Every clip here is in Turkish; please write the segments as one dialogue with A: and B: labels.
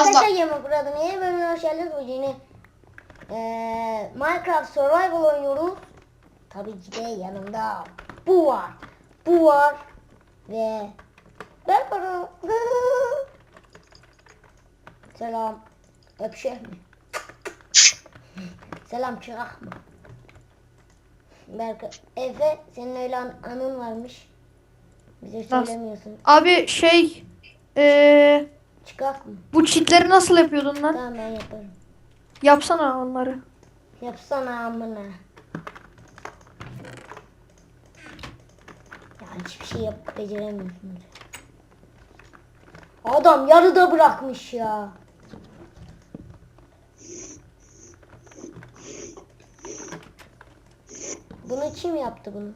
A: Arkadaşlar Yemek burada yeni bölümüne hoş geldiniz. Bu yeni Minecraft Survival oynuyoruz. Tabii ki de yanımda bu var. Bu var. Ve ben varım. Selam. Öpüşek mi? Selam çırak mı? Berkay. Efe senin öyle anın varmış. Bize söylemiyorsun.
B: Abi
A: Çıkak mı?
B: bu cheatleri nasıl yapıyordun lan?
A: Tamam ben yaparım.
B: Yapsana onları.
A: Yapsana amına. Ya hiçbir şey beceremiyorsunuz. Adam yarıda bırakmış ya. Bunu kim yaptı bunu?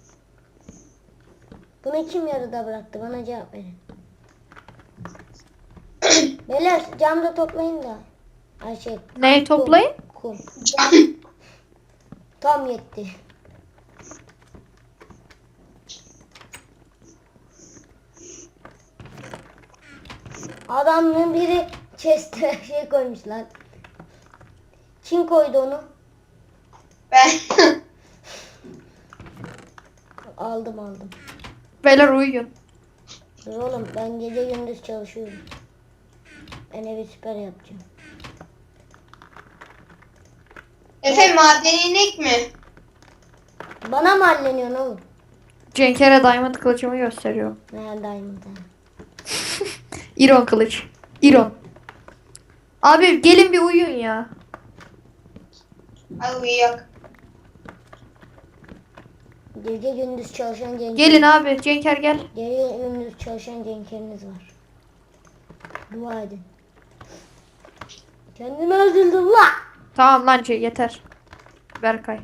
A: Bunu kim yarıda bıraktı? Bana cevap verin. Beyler camda toplayın da. Ay şey.
B: Neyi toplayın?
A: Kum. Tam yetti. Adamın biri chest'e şey koymuş lan. Kim koydu onu?
C: Ben.
A: Aldım.
B: Beyler uyuyun.
A: Dur oğlum ben gece gündüz çalışıyorum. Ben evi süper yapacağım.
C: Efe madeni inek mi?
A: Bana mı halleniyorsun oğlum?
B: Cenkere diamond kılıcımı gösteriyor.
A: Neredeyim ben?
B: İron kılıç. İron. Abi gelin bir uyuyun ya.
C: Ay uyuyak.
A: Gece gündüz çalışan Cenk.
B: Gelin abi. Cenker gel.
A: Gece gündüz çalışan Cenk'leriniz var. Dua edin. Kendimi öldürdüm la.
B: Tamam lan yeter. Berkay.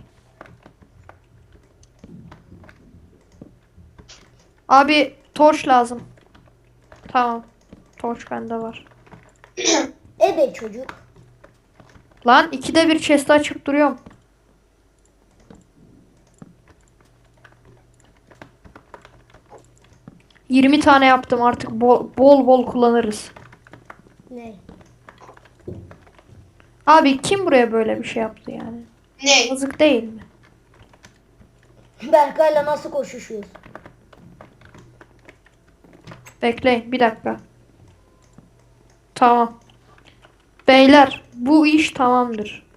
B: Abi torç lazım. Tamam. Torç bende var.
A: Ebe çocuk.
B: Lan ikide bir chest'i açıp duruyorum. ...20 tane yaptım artık bol bol kullanırız.
A: Ne?
B: Abi kim buraya böyle bir şey yaptı yani?
C: Ne?
B: Yazık değil mi?
A: Berkay'la nasıl koşuşuyoruz?
B: Bekleyin bir dakika. Tamam. Beyler bu iş tamamdır.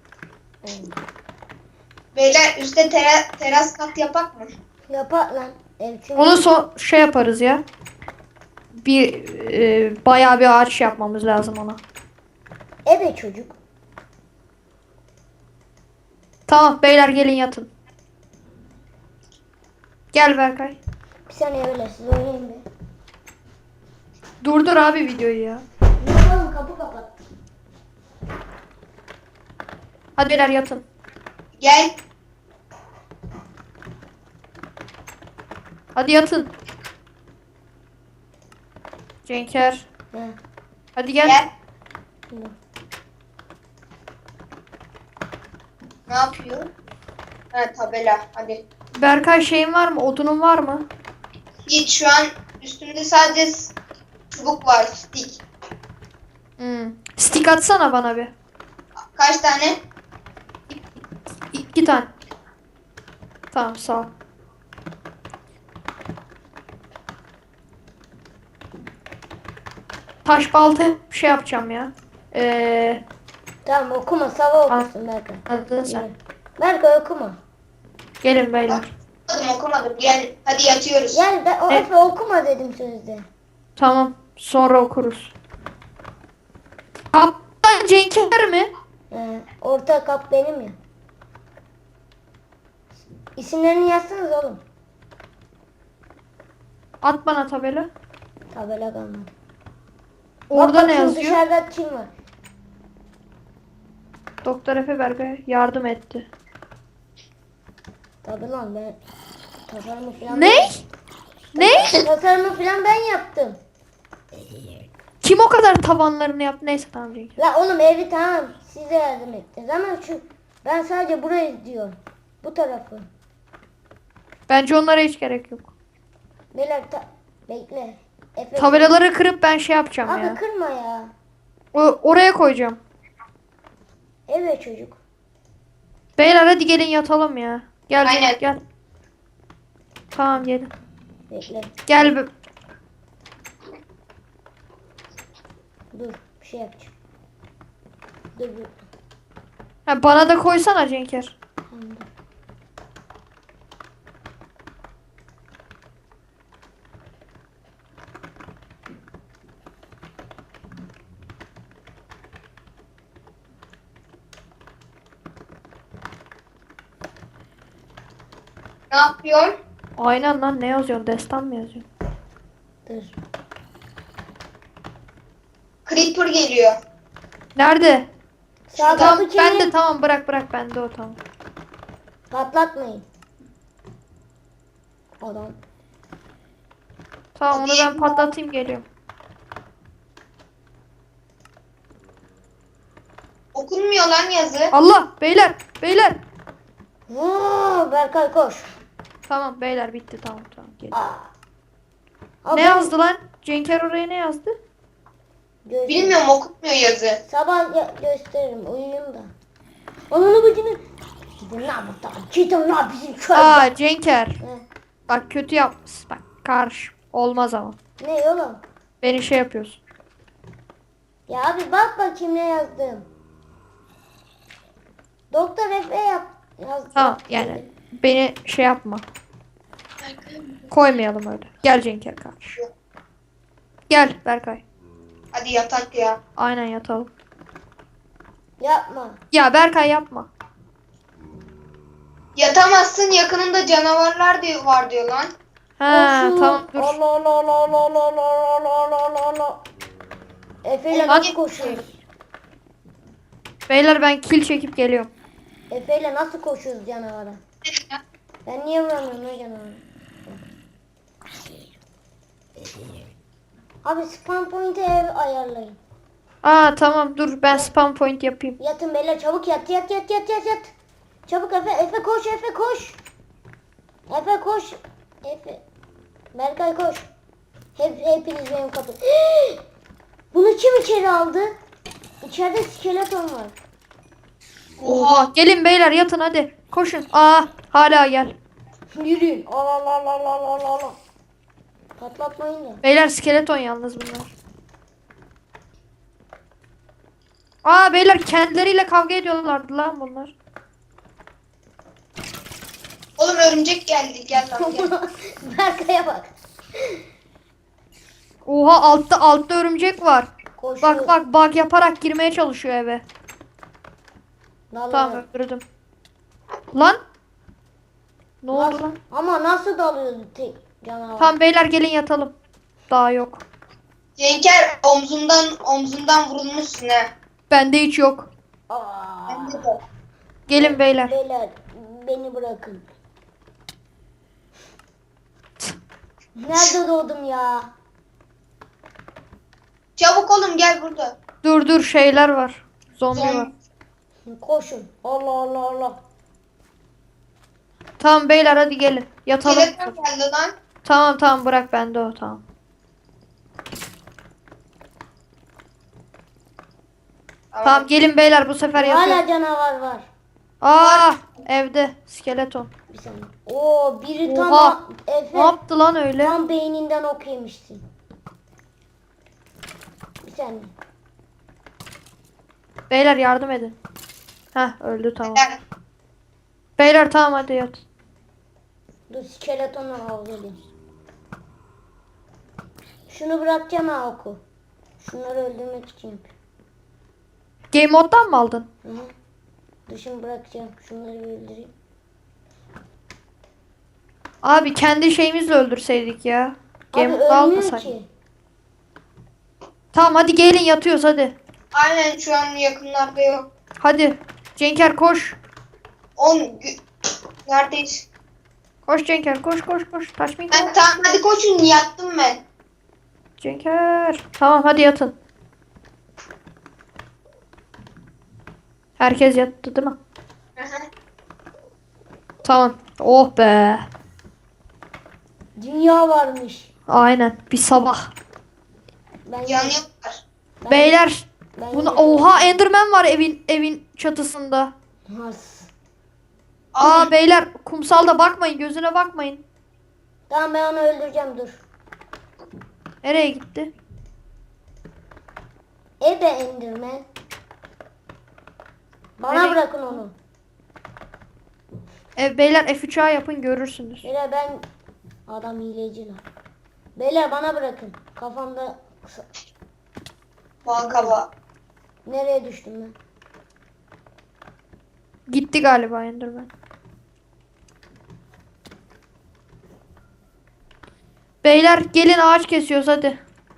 C: Beyler üstte teras kat yapak mı?
A: Yapar lan. Ev çünkü
B: Onu şey yaparız ya. Bayağı bir ağaç yapmamız lazım ona.
A: ebe çocuk.
B: Tamam beyler gelin yatın. Gel Berkay.
A: Bir saniye öyle siz oynayın be.
B: Durdur abi videoyu ya.
A: Ne oğlum kapı kapat.
B: Hadi beyler yatın.
C: Gel.
B: Hadi yatın. Cenker.
A: He.
B: Hadi gel.
C: Gel.
A: Şimdi.
C: Ne yapıyor? Ha tabela. Hadi.
B: Berkay şeyin var mı? Odunun var mı?
C: Hiç şu an üstümde sadece çubuk var. Stick.
B: Stick atsana bana bir.
C: Kaç tane?
B: 2 tane. Tamam sağ ol. Taş balta şey yapacağım ya.
A: Tamam okuma sabah okusun Berkay.
B: Anladın sen.
A: Berkay okuma.
B: Gelin beyler.
C: Okumadım. Gel. Hadi yatıyoruz.
A: Gel ben o Efe okuma dedim sözde.
B: Tamam. Sonra okuruz. Kaptan Cenker mi?
A: He. Orta kap benim ya. İsimlerini yazsanız oğlum.
B: At bana tabela.
A: Tabela kalmadı.
B: Orada
A: Bak
B: ne
A: bakayım
B: yazıyor?
A: dışarıda kim var?
B: Doktor Efe Berkay yardım etti.
A: Tabi lan ben tasarımı falan
B: Ne? Ne?
A: Tasarımı falan ben yaptım.
B: Kim o kadar tavanlarını yaptı? Neyse tamam Cenker.
A: La oğlum evi tamam size yardım ettiniz ama ben sadece burayı diyorum. Bu tarafı.
B: Bence onlara hiç gerek yok.
A: Beyler bekle. Efe,
B: Tabelaları kırıp ben şey yapacağım
A: abi
B: ya.
A: kırma ya.
B: Oraya koyacağım.
A: Evet çocuk.
B: Beyler hadi gelin yatalım ya. Gel
C: Aynen.
B: gel. Tamam gelin.
A: Bekle.
B: Gel.
A: Dur. Bir şey yapacağım. Dur.
B: Ha, bana da koysana Cenker.
A: Tamam, dur.
C: Ne yapıyorsun?
B: Aynen lan, ne yazıyorsun? Destan mı yazıyorsun?
A: Dur.
C: Creeper geliyor.
B: Nerede?
A: Sağ
B: Tamam
A: kapı
B: ben de
A: kimin?
B: tamam, bırak bende o tamam.
A: Patlatmayın. Adam.
B: Tamam onu ben patlatayım, geliyorum.
C: Okunmuyor lan yazı.
B: Allah beyler.
A: Berkay koş.
B: Tamam beyler, bitti, tamam gelin.
A: Aa,
B: Ne yazdı lan? Cenker oraya ne yazdı?
C: Bilmiyorum, okunmuyor yazı.
A: Sabah gösteririm. Uyuyayım da. Ananı bacını. Gidin lan buradan. Gidin lan bizim köyden.
B: Aa Cenker.
A: Ne?
B: Bak kötü yapmışsın. Bak karşı. Olmaz ama.
A: Ne oğlum?
B: Beni şey yapıyorsun.
A: Ya abi bak bakayım ne yazdım. Doktor Efe yazdı.
B: Tamam yani beni şey yapma. Koymayalım öyle. Gel Cenker karşı. Gel Berkay.
C: Hadi yatak ya.
B: Aynen yatalım.
A: Yapma.
B: Ya Berkay yapma.
C: Yatamazsın, yakınında canavarlar diyor, var diyor lan.
B: Ha
A: Koşun.
B: tamam dur.
A: Allah Allah Allah Allah Allah Allah Allah Allah Allah. Efe ile
B: Hadi.
A: nasıl koşuyoruz?
B: Beyler ben kill çekip geliyorum.
A: Efe ile nasıl koşuyoruz canavara? Ben niye vuramıyorum lan canavara? Abi spam point'e ev ayarlayın.
B: Aa tamam dur, ben spam point yapayım.
A: Yatın beyler, çabuk yat. Çabuk Efe koş, Efe koş. Efe koş. Efe. Berkay koş. Hepiniz benim kapı. Bunu kim içeri aldı? İçeride skeleton var.
B: Oha. Gelin beyler yatın hadi. Koşun. Aa hala gel.
A: Yürüyün. Allah Allah Allah Allah Allah Allah. Patlatmayın da.
B: Beyler skeleton yalnız bunlar. Aa beyler kendileriyle kavga ediyorlardı lan bunlar.
C: Oğlum örümcek geldi. Gel lan gel.
A: Berkay'a bak.
B: Oha altta örümcek var.
A: Koşuyor.
B: Bak bug yaparak girmeye çalışıyor eve.
A: Dalıyor.
B: Tamam öldürdüm. Lan. Ne oldu
A: Nasıl-
B: lan?
A: Ama nasıl dalıyordu tek canavar?
B: Tamam beyler gelin yatalım. Daha yok.
C: Cenker omzundan vurulmuşsun ha.
B: Bende hiç yok.
A: Aa,
C: Bende de.
B: Gelin beyler.
A: beyler beni bırakın. Nerede doğdum ya?
C: Çabuk oğlum gel burada.
B: Dur şeyler var. Zombi var.
A: Koşun. Allah Allah Allah.
B: Tamam beyler hadi gelin. Yatalım.
C: Skeleton geldi lan.
B: Tamam bırak bende o tamam. Tamam gelin beyler, bu sefer
A: Hala
B: yatıyorum.
A: canavar var.
B: Aa evde skeleton.
A: Bir saniye. Oo biri tam
B: Oha.
A: Efe
B: Ne yaptı lan öyle?
A: tam beyninden ok yemişsin. Bir saniye.
B: Beyler yardım edin. Heh öldü tamam.
C: Gel.
B: Beyler tamam hadi yat.
A: Dur skeletonla kavga edeyim. Şunu bırakacağım ha oku. Şunları öldürmek için.
B: Game moddan mı aldın?
A: Hı hı. Dışını bırakacağım. Şunları bir öldüreyim.
B: Abi kendi şeyimizle öldürseydik ya. Game
A: Abi
B: modda
A: ölmüyor
B: almasaydık.
A: ki.
B: Tamam hadi gelin yatıyoruz hadi.
C: Aynen, şu an yakınlarda yok.
B: Hadi. Cenker koş.
C: Neredeyiz?
B: Koş Cenker koş. Taş mı?
C: Ben tamam, hadi koşun, yattım ben.
B: Cenker. Tamam hadi yatın. Herkes yattı değil mi?
C: Hı hı.
B: Tamam. Oh be.
A: Dünya varmış.
B: Aynen. Bir sabah.
A: Ben
C: Yanıyorlar.
A: ben-
B: Beyler
A: Ben
B: Buna
A: yine-
B: oha Enderman var evin çatısında.
A: Has.
B: Aa beyler kumsalda bakmayın gözüne bakmayın.
A: Tamam ben onu öldüreceğim dur.
B: Nereye gitti?
A: Ebe Enderman. Bana
B: Nereye-
A: bırakın onu.
B: Beyler F3'a yapın görürsünüz.
A: Beyler ben adam hileci lan. Beyler bana bırakın. Kafamda
C: Balkaba.
A: nereye düştüm ben?
B: Gitti galiba Enderman. Beyler gelin ağaç kesiyoruz hadi.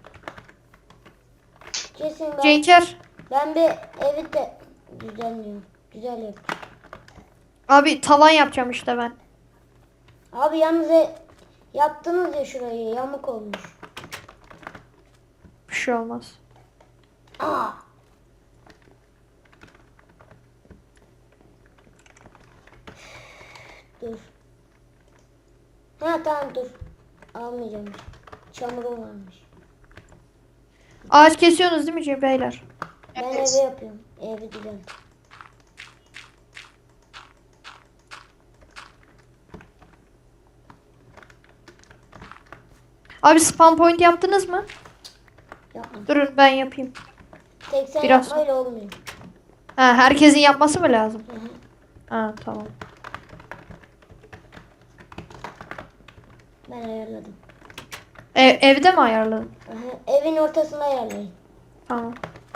A: Kesin ben.
B: Cenker.
A: Ben bir evi de düzenliyorum. Güzel yap.
B: Abi tavan yapacağım işte ben.
A: Abi yalnız yaptınız ya şurayı yamuk olmuş.
B: Bir şey olmaz.
A: Aa. Dur. Ha tamam dur. Almayacağım. Çamurum varmış.
B: Ağaç kesiyorsunuz değil mi beyler?
A: Ben
C: Evet.
A: evi yapıyorum. Evi düzelt.
B: Abi spawn point yaptınız mı?
A: Yapma.
B: Durun ben yapayım.
A: Tek sen
B: Biraz-
A: yapmayla olmuyor.
B: Ha, herkesin yapması mı lazım?
A: Hı hı.
B: Ha tamam.
A: Ben ayarladım.
B: Evde mi ayarladın?
A: Aha, evin ortasına ayarlayın.
B: Tamam.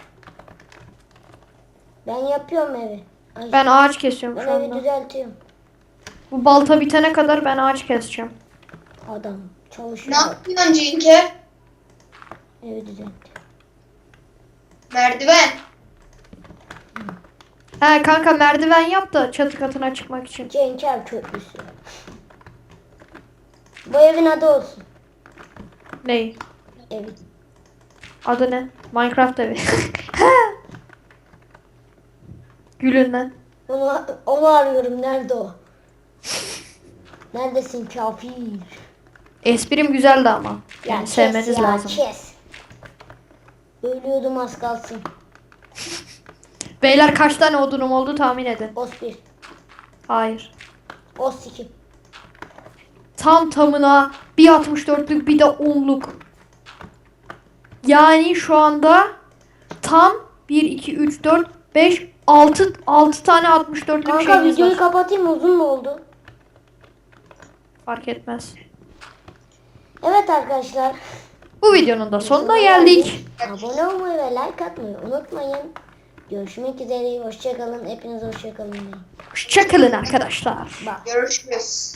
A: Ben yapıyorum evi. Ay,
B: Ben ağaç kesiyorum
A: ben
B: şu
A: evi
B: anda.
A: düzeltiyorum.
B: Bu balta bitene kadar ben ağaç keseceğim.
A: Adam
C: Ne
A: çalışıyor.
C: yapıyorsun Cenker?
A: Evi düzelt.
C: Merdiven.
B: He kanka merdiven yap da çatı katına çıkmak için.
A: Cenker köprüsü. Bu evin adı olsun.
B: Ney?
A: Evi.
B: Adı ne? Minecraft evi. Gülün lan.
A: Onu arıyorum. Nerede o? Neredesin kafir?
B: Esprim güzeldi ama.
A: Ya
B: Yani
A: kes
B: sevmeniz
A: ya,
B: lazım.
A: kes. Ölüyordum az kalsın.
B: Beyler kaç tane odunum oldu tahmin edin.
A: Os 1.
B: Hayır.
A: Os 2.
B: Tam tamına bir 64'lük bir de 10'luk. Yani şu anda tam 1, 2, 3, 4, 5, 6 tane 64'lük
A: Kanka
B: şeyimiz
A: videoyu
B: var.
A: kapatayım mı? Uzun mu oldu?
B: Fark etmez.
A: Evet arkadaşlar.
B: Bu videonun da sonuna geldik.
A: Abone olmayı ve like atmayı unutmayın. Görüşmek üzere. Hoşçakalın. Hepiniz hoşçakalın.
B: Hoşçakalın arkadaşlar.
A: Bak.
C: Görüşürüz.